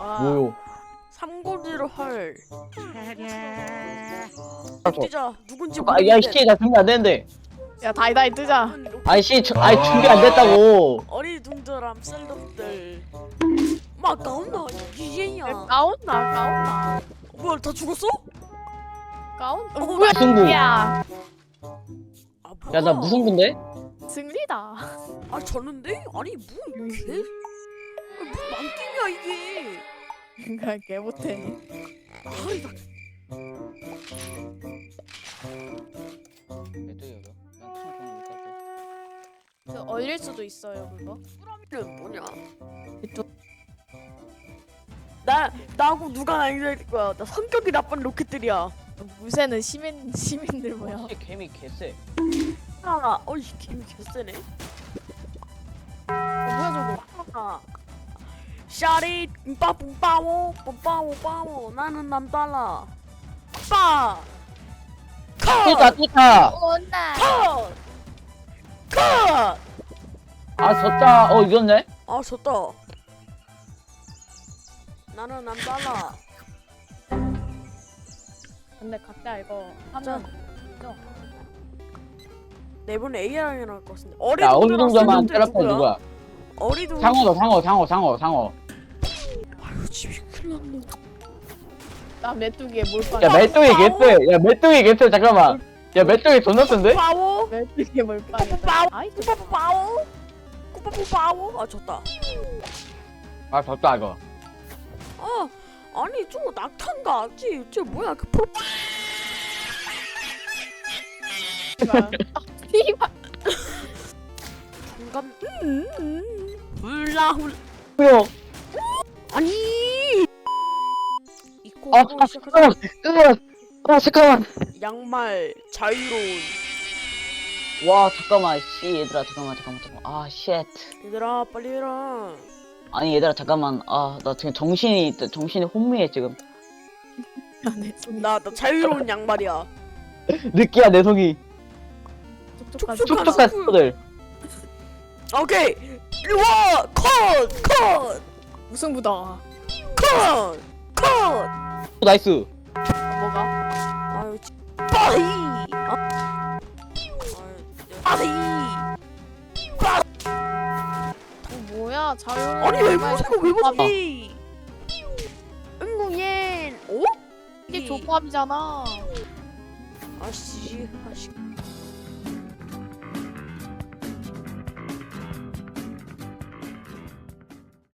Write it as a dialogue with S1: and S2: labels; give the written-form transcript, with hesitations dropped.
S1: 뭐요?
S2: 삼고지로 헐.
S1: 저-
S2: 뛰자. 누군지
S1: 아,
S2: 모르겠는데.
S1: 야, 씨, 나 준비 안 되는데.
S3: 야 다이다이 뜨자.
S1: 아이씨, 아이, 준비 안 됐다고.
S2: 어리둥절함 셀럽들. 막 가온나 이제야.
S3: 까온나.
S2: 뭐야 다 죽었어?
S3: 까온?
S2: 뭐야?
S1: 무승부.
S3: 야
S2: 아 뭐야?
S1: 야, 나 무슨 군데?
S3: 승리다.
S2: 아 졌는데? 아니 뭐 개? 뭐 망게임이야 이게.
S3: 그니까 개 못해.
S2: 아이 나
S3: 그 얼릴 수도 있어요 그거.
S2: 이름 뭐냐?
S3: 또-
S2: 나하고 누가 나이될 거야? 나 성격이 나쁜 로켓들이야.
S3: 무쇠는 시민들 뭐야?
S1: 와, 개미 개쎄.
S2: 아, 어이 개미 개쎄네.
S3: 뭐야
S2: 아, 샤리 빠뿌빠오 빠오 나는 남달라. 빠.
S1: 띠까, 띠까.
S3: 저거? 온나.
S2: 컷. 컷.
S1: 아, 졌다. 이겼네?
S2: 아 졌다. 나는 남달라.
S3: 근데 각자 이거 하면
S2: 내분 AR이 나올 것 같은데.
S1: 야, 어느
S2: 어리둥절한
S1: 정도만
S2: 셀럽들
S1: 테라펠 누구야?
S2: 어리둥.
S1: 상어.
S2: 아유 집이 큰일 났네.
S3: 나 메뚜기에 몰빵.
S1: 야, 메뚜기 개쎄. 야, 메뚜기 개쎄. 잠깐만. 야, 메뚜기 존나 센데?
S2: 빠오.
S3: 메뚜기에 몰빵.
S2: 빠오.
S3: 아이
S2: 빠오. 빠오. 아 졌다.
S1: 아, 졌다, 이거.
S2: 아 아니 저거 낙탄가? 쟤 뭐야 그 프로.
S3: 씨발.
S2: 잠깐. 훌라.
S1: 뭐야?
S2: 아니. 입고
S1: 아,
S2: 시작하자.
S1: 잠깐만.
S2: 양말 자유로운.
S1: 와, 잠깐만. 씨, 얘들아, 잠깐만. 아, 쉣.
S2: 얘들아 빨리 해라.
S1: 아니, 얘들아, 잠깐만. 아, 나 지금 정신이 혼미해, 지금.
S2: 나 자유로운 양말이야.
S1: 느끼야, 내 속이.
S3: 촉촉한
S1: 촉촉한 스포들.
S2: 오케이. 일와 컷.
S3: 무승부다.
S2: 컷.
S1: 나이스.
S3: 뭐가?
S2: 아유 빠이. 빠이.
S3: 뭐야 자유.
S2: 아니 왜 무슨 왜 무슨 응구옌 오?
S3: 이게 조합이잖아.
S2: 아씨